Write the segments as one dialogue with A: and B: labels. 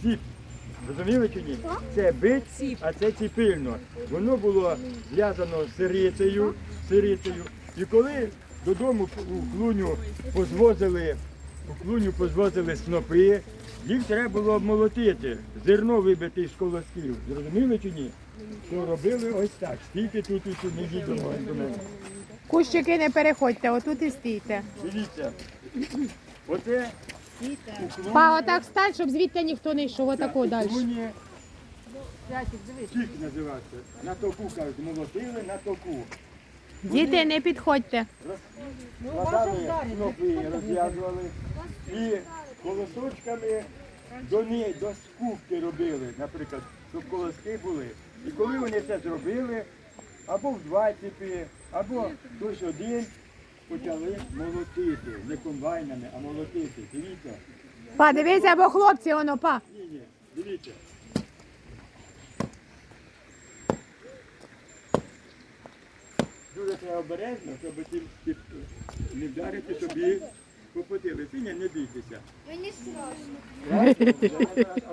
A: ціп. Розуміли чи ні? Це бить, а це ціпильно. Воно було зв'язано з сирицею. І коли додому у клуню позвозили снопи, їх треба було обмолотити, зерно вибити з колосків. Зрозуміли чи ні? То робили ось так. Стійте тут, не їдемо до мене.
B: Кущики не переходьте, отут і стійте.
A: Дивіться, оце
B: Па, отак встань, щоб звідти ніхто не йшов, отако далі.
A: клуні чик називається. На току, кажуть, молотили на току.
B: Діти, не підходьте.
A: Складали снопи, розв'язували і колосочками до скупки робили, наприклад, щоб колоски були. І коли вони це зробили, або в два ціпи, або хтось один, почали молотити. Не комбайнами, а молотити. Дивіться.
B: Па, дивися, бо хлопці, воно, па.
A: Ні, дивіться. Дуже треба обережно, щоб не вдарити собі по потилиці. Ні, не бійтеся.
C: Мені страшно.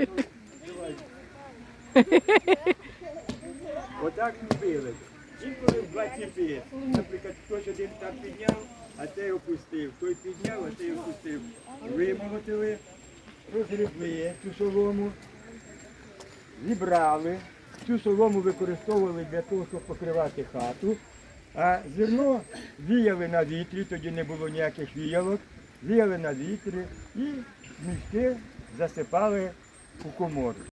A: Отак робили. Інколи в два ціпи. Наприклад, хтось один там підняв, а цей опустив. Той підняв, а цей опустив. Вимолотили, розгребли цю солому, зібрали. Цю солому використовували для того, щоб покривати хату. А зерно віяли на вітрі, тоді не було ніяких віялок, віяли на вітрі і мішки засипали у комору.